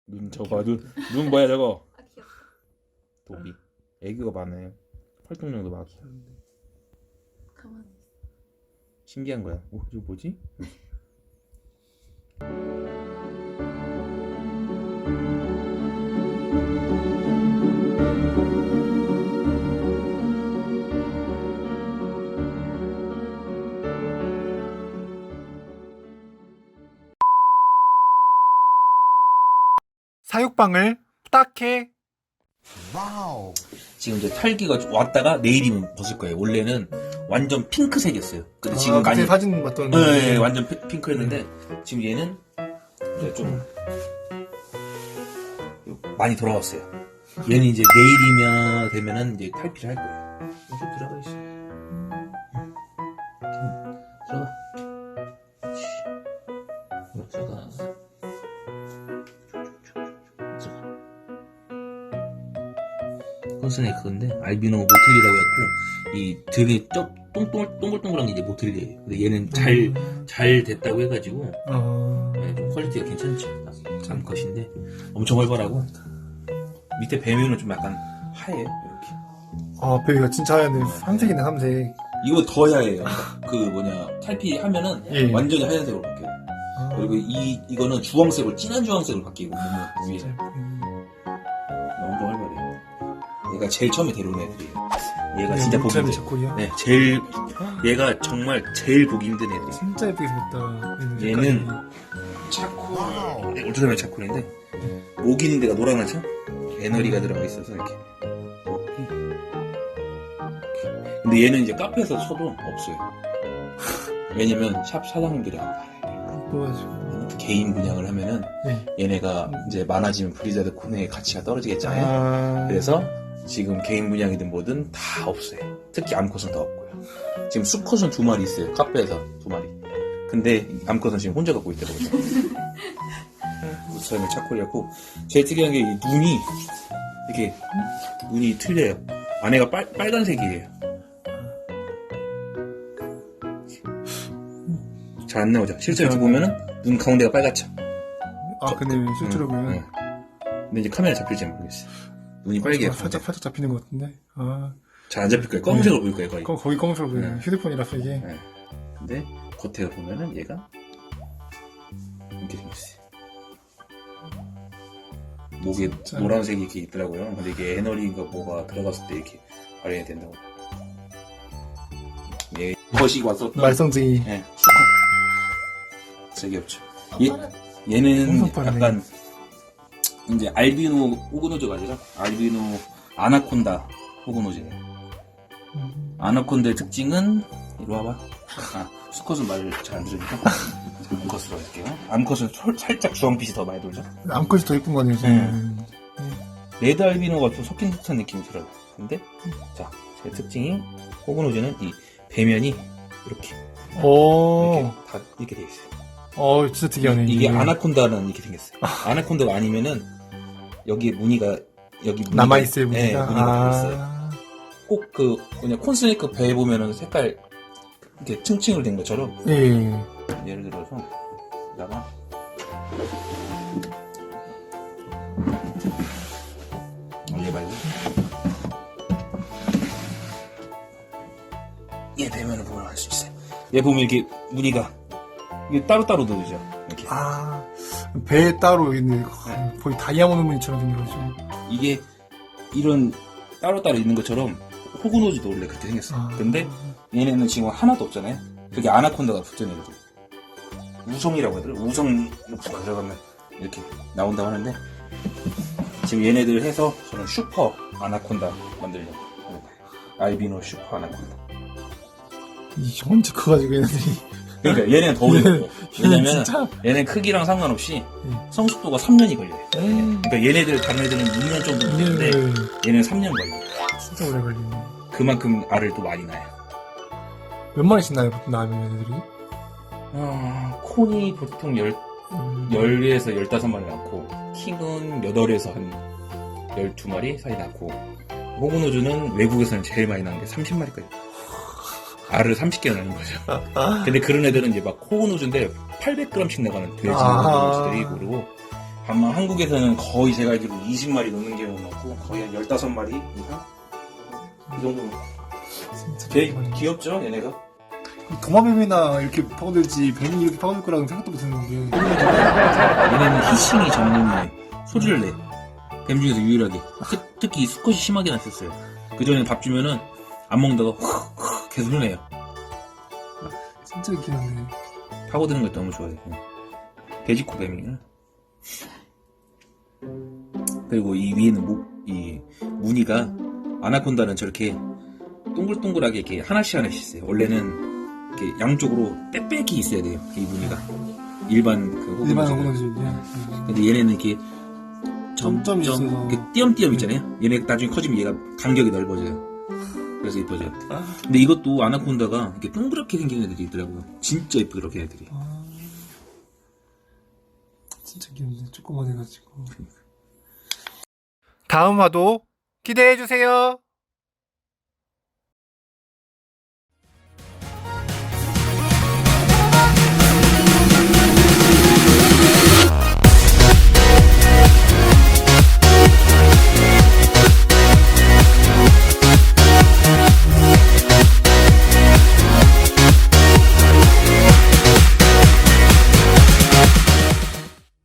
눈 저거 눈 뭐야 저거? 아 귀엽다. 도비. 애교가 많아요. 활동량도 많고. 가만히 있어. 신기한 거야. 이거 뭐지? 사육방을 부탁해. 지금 이제 탈기가 왔다가 내일이면 벗을 거예요. 원래는 완전 핑크색이었어요. 근데 지금 그때 많이 사진 봤던. 네, 완전 핑크였는데 지금 얘는 이제 좀 많이 돌아왔어요. 얘는 이제 내일이면 되면은 이제 탈피를 할 거예요. 좀 들어가 있어. 들어가. 들어가. 컨스네 그건데 알비노 모틸리라고 해갖고 이 되게 동글동글한 게 이제 모틸리예요. 근데 얘는 잘 됐다고 해가지고 네, 좀 퀄리티가 괜찮죠. 암컷인데 엄청 활발하고 밑에 배면은 좀 약간 하얘요. 이렇게. 아, 베이가 진짜 하얀데 삼색이네, 삼색. 이거 더 하얘요. 그 뭐냐 탈피 하면은 예. 완전히 하얀색으로 바뀌어요. 그리고 이거는 주황색으로 진한 주황색으로 바뀌고 몸은 위에 엄청 활발해요. 얘가 제일 처음에 데려온 애들이에요. 얘가 진짜 보기 힘들어요. 자코리야? 네, 얘가 정말 제일 보기 힘든 애들이에요. 진짜 예쁘게 생겼다. 얘는 차콜, 네, 울트라맨 차콜인데 목 있는 데가 노란하죠? 에너리가 들어가 있어서 이렇게. 근데 얘는 이제 카페에서 쳐도 없어요. 왜냐면 샵 사장님들이 안 팔아요. 예뻐가지고. 개인 분양을 하면은 네. 얘네가 이제 많아지면 브리자드 코너의 가치가 떨어지겠잖아요. 그래서 지금 개인 분양이든 뭐든 다 없어요. 특히 암컷은 더 없고요. 지금 수컷은 2마리 있어요. 카페에서 2마리. 근데 암컷은 지금 혼자 갖고 있더라고요. 우스라멜 차콜이었고 제일 특이한 게 이 눈이 이렇게 눈이 틀려요. 안에가 빨간색이에요. 잘 안 나오죠. 실제로 이렇게 보면은 눈 가운데가 빨갛죠. 아, 근데 실제로 보면. 응. 근데 이제 카메라 잡힐지 모르겠어요. 눈이 빨개요. 살짝 잡히는 것 같은데. 아. 잘 안 잡힐 거예요. 검은색으로 보일 거예요, 거의. 거의 검은색으로 보여요. 네. 휴대폰이라서 이게. 네. 근데 겉에 보면은 얘가 이렇게 생겼어요. 목에 진짜. 노란색이 이렇게 있더라고요. 근데 이게 에너리가 뭐가 들어갔을 때 이렇게 발현이 된다고. 얘 것이 왔었던 말썽쟁이. 네, 수컷. 색이 없죠. 얘는 엄청 빠르네. 약간 이제 알비노 호그노즈가 아니라 알비노 아나콘다 호그노즈예요. 아나콘다의 특징은 이리 와봐. 수컷은 말을 잘 안 들으니까 암컷으로 할게요. 암컷은 살짝 주황빛이 더 많이 돌죠. 암컷이 더 예쁜 거 아니에요, 지금. 레드 알비노가 좀 섞인 듯한 느낌이 들어요. 근데 자, 제 특징이 호그노즈는 이 배면이 이렇게 오. 다 이렇게 돼 있어요. 진짜 특이하네. 이게 아나콘다는 이렇게 생겼어요. 아나콘다가 아니면은 여기 무늬가 남아있어요, 네, 무늬가. 무늬가 남아있어요. 꼭 그 뭐냐 콘스네이크 배에 보면은 색깔 이렇게 층층으로 된 것처럼 예. 예를 들어서 여기다가 얘 말고 얘 배면을 보면 알 수 있어요. 얘 보면 이렇게 무늬가 이게 따로따로 들어오죠. 이렇게. 배에 따로 있는 거의 다이아몬드 무늬처럼 생겨가지고. 이게 이런 따로따로 있는 것처럼 호그노즈도 원래 그렇게 생겼어요. 근데 얘네는 지금 하나도 없잖아요. 그게 아나콘다가 붙은 애들. 우성이라고 하더라고요. 우성 녹수가 들어가면 이렇게 나온다고 하는데 지금 얘네들 해서 저는 슈퍼 아나콘다 만들려고 합니다. 알비노 슈퍼 아나콘다. 언제 커가지고 얘네들이. 그러니까 얘네는 더 오래 걸려요. 왜냐면 진짜? 얘네 크기랑 상관없이 성숙도가 3년이 걸려요. 그러니까 얘네들 다른 애들은 2년 정도 걸리는데 얘는 3년 걸려요. 진짜 오래 걸리네. 그만큼 알을 또 많이 낳아요. 몇 마리씩 나요, 보통 나면 얘네들이? 콘이 보통 10에서 15마리 낳고 킹은 8에서 한 12마리 사이 낳고 호그노즈는 외국에서는 제일 많이 낳는 게 30마리까지 알을 30개 낳는 거죠. 근데 그런 애들은 이제 막 호그노즈인데 800g씩 나가는 돼지 호그노즈들이 그리고 다만 한국에서는 거의 제가 알기로 20마리 넘는 경우는 없고 거의 한 15마리 이상? 이 정도. 진짜 되게 귀엽죠 얘네가? 도마뱀이나 이렇게 파고들지 뱀이 이렇게 파고들 거라고는 생각도 못했는데. 얘네는 히싱이 전문이에요. 소리를 내. 뱀 중에서 유일하게. 특히 수컷이 심하게 났었어요. 그전에는 밥 주면은 안 먹는다가 훅 계속 흘내요. 진짜 귀엽네. 파고드는 걸 너무 좋아해요. 돼지코 뱀이야. 그리고 이 위에는 이 무늬가 아나콘다는 저렇게 동글동글하게 이렇게 하나씩 있어요. 원래는 이렇게 양쪽으로 빽빽이 있어야 돼요. 이 무늬가 일반 그 일반 호구노즈는. 호구노즈. 근데 얘네는 이렇게 점점이 있어서. 이렇게 띄엄띄엄 있잖아요. 얘네 나중에 커지면 얘가 간격이 넓어져요. 그래서 이뻐져요. 근데 이것도 아나콘다가 이렇게 동그랗게 생긴 애들이 있더라고요. 진짜 이쁘 그렇게 애들이. 진짜 귀엽네. 조그만 해가지고. 다음 화도 기대해주세요.